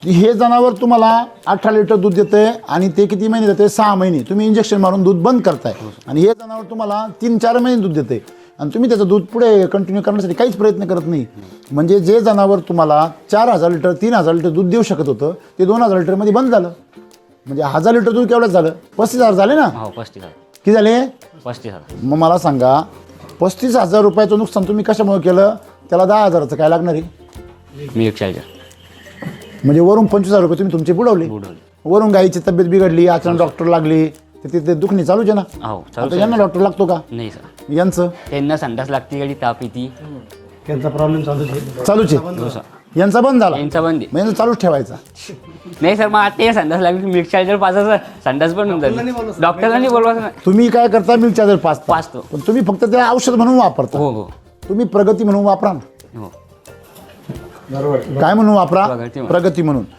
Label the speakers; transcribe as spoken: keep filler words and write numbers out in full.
Speaker 1: की हे जनावर तुम्हाला अठरा लिटर दूध देते आणि ते किती महिने देते? सहा महिने. तुम्ही इंजेक्शन मारून दूध बंद करताय आणि हे जनावर तुम्हाला तीन चार महिने दूध देते आणि तुम्ही त्याचं दूध पुढे कंटिन्यू करण्यासाठी काहीच प्रयत्न करत नाही. म्हणजे जे जनावर तुम्हाला चार हजार लिटर तीन हजार लिटर दूध देऊ शकत होतं ते दोन हजार लिटरमध्ये बंद झालं. म्हणजे हजार लिटर दूध केवढंच झालं? पस्तीस हजार झाले ना?
Speaker 2: हो पस्तीस हजार.
Speaker 1: किती झाले?
Speaker 2: पस्तीस हजार.
Speaker 1: मग मला सांगा पस्तीस हजार रुपयाचं नुकसान तुम्ही कशामुळे केलं? त्याला दहा हजाराचं काय लागणार आहे?
Speaker 2: Milk charger.
Speaker 1: म्हणजे वरून पंचवीस हजार रुपये तुम्ही तुमचे बुडवले.
Speaker 2: बुडवले.
Speaker 1: वरून गायीची तब्येत बिघडली, अचानक डॉक्टर लागली, तर तिथे दुखणी चालूच आहे ना.
Speaker 2: हो
Speaker 1: आता
Speaker 2: चालू.
Speaker 1: यांना डॉक्टर लागतो का?
Speaker 2: नाही सर.
Speaker 1: यांचं
Speaker 2: त्यांना संडास लागते गाडी ताप येते.
Speaker 3: त्यांचा प्रॉब्लेम चालू आहे.
Speaker 1: चालूच आहे.
Speaker 2: हो सर.
Speaker 1: यांचा बंद झाला.
Speaker 2: यांचा बंद आहे.
Speaker 1: मग यांचा चालूच ठेवायचा.
Speaker 2: नाही सर मग आता ते संडास लागली मिल्क चार्जर पाचा सर संडास पण होऊन जाईल. डॉक्टरला नाही बोलवायचं ना.
Speaker 1: तुम्ही काय करता? मिल्क चार्जर पाचता.
Speaker 2: पाचतो.
Speaker 1: पण तुम्ही फक्त त्या औषध म्हणून वापरता.
Speaker 2: हो हो
Speaker 1: तुम्ही प्रगती म्हणून वापरा ना.
Speaker 2: हो.
Speaker 1: काय म्हणून वापरा?
Speaker 2: प्रगती म्हणून.
Speaker 1: प्रगती म्हणून.